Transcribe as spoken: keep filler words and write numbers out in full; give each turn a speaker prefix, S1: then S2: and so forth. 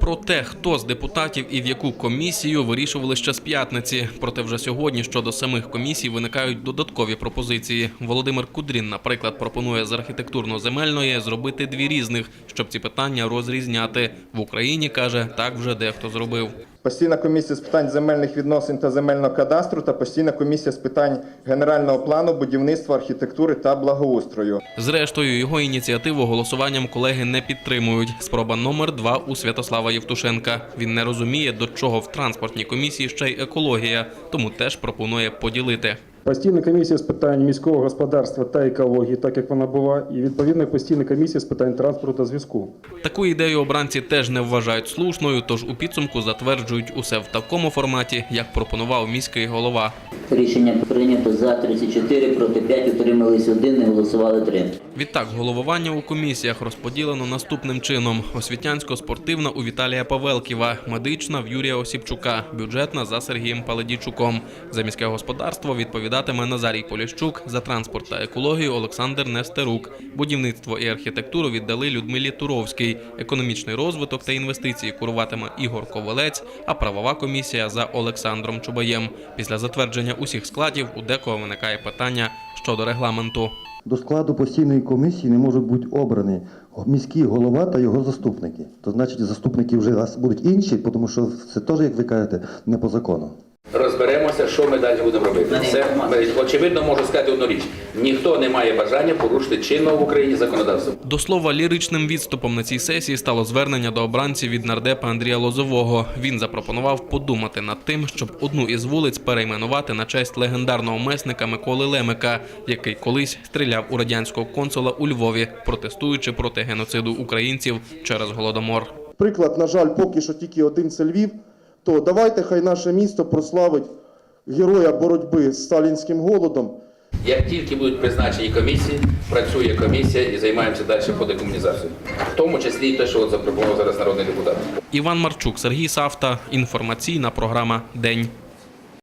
S1: Про те, хто з депутатів і в яку комісію, вирішували ще з п'ятниці. Проте вже сьогодні щодо самих комісій виникають додаткові пропозиції. Володимир Кудрін, наприклад, пропонує з архітектурно-земельної зробити дві різних, щоб ці питання розрізняти. В Україні, каже, так вже дехто зробив.
S2: Постійна комісія з питань земельних відносин та земельного кадастру та постійна комісія з питань генерального плану, будівництва, архітектури та благоустрою.
S1: Зрештою, його ініціативу голосуванням колеги не підтримують. Спроба номер два у Святослава Євтушенка. Він не розуміє, до чого в транспортній комісії ще й екологія, тому теж пропонує поділити.
S3: Постійна комісія з питань міського господарства та екології, так як вона була, і відповідно постійна комісія з питань транспорту та зв'язку.
S1: Таку ідею обранці теж не вважають слушною, тож у підсумку затверджують усе в такому форматі, як пропонував міський голова.
S4: Рішення прийнято за тридцять чотири, проти п'ять, утримались один, не голосували три.
S1: Відтак, головування у комісіях розподілено наступним чином. Освітянсько-спортивна у Віталія Павелківа, медична в Юрія Осіпчука, бюджетна за Сергієм Паладійчуком. За міське господарство відповідатиме Назарій Поліщук, за транспорт та екологію Олександр Нестерук. Будівництво і архітектуру віддали Людмилі Туровській. Економічний розвиток та інвестиції куруватиме Ігор Ковалець, а правова комісія за Олександром Чубаєм. Після затвердження усіх складів у декого виникає питання щодо регламенту.
S5: До складу постійної комісії не можуть бути обрані міський голова та його заступники. То значить, заступники вже будуть інші, тому що це теж, як ви кажете, не по закону.
S6: Розберемося, що ми далі будемо робити. Це, очевидно, можу сказати одну річ. Ніхто не має бажання порушити чинного в Україні законодавство.
S1: До слова, ліричним відступом на цій сесії стало звернення до обранців від нардепа Андрія Лозового. Він запропонував подумати над тим, щоб одну із вулиць перейменувати на честь легендарного месника Миколи Лемика, який колись стріляв у радянського консула у Львові, протестуючи проти геноциду українців через Голодомор.
S2: Приклад, на жаль, поки що тільки один – це Львів. То давайте хай наше місто прославить героя боротьби з сталінським голодом.
S6: Як тільки будуть призначені комісії, працює комісія і займаємося далі по декомунізації. В тому числі і те, що от запропонував зараз народний депутат.
S1: Іван Марчук, Сергій Савта. Інформаційна програма «День».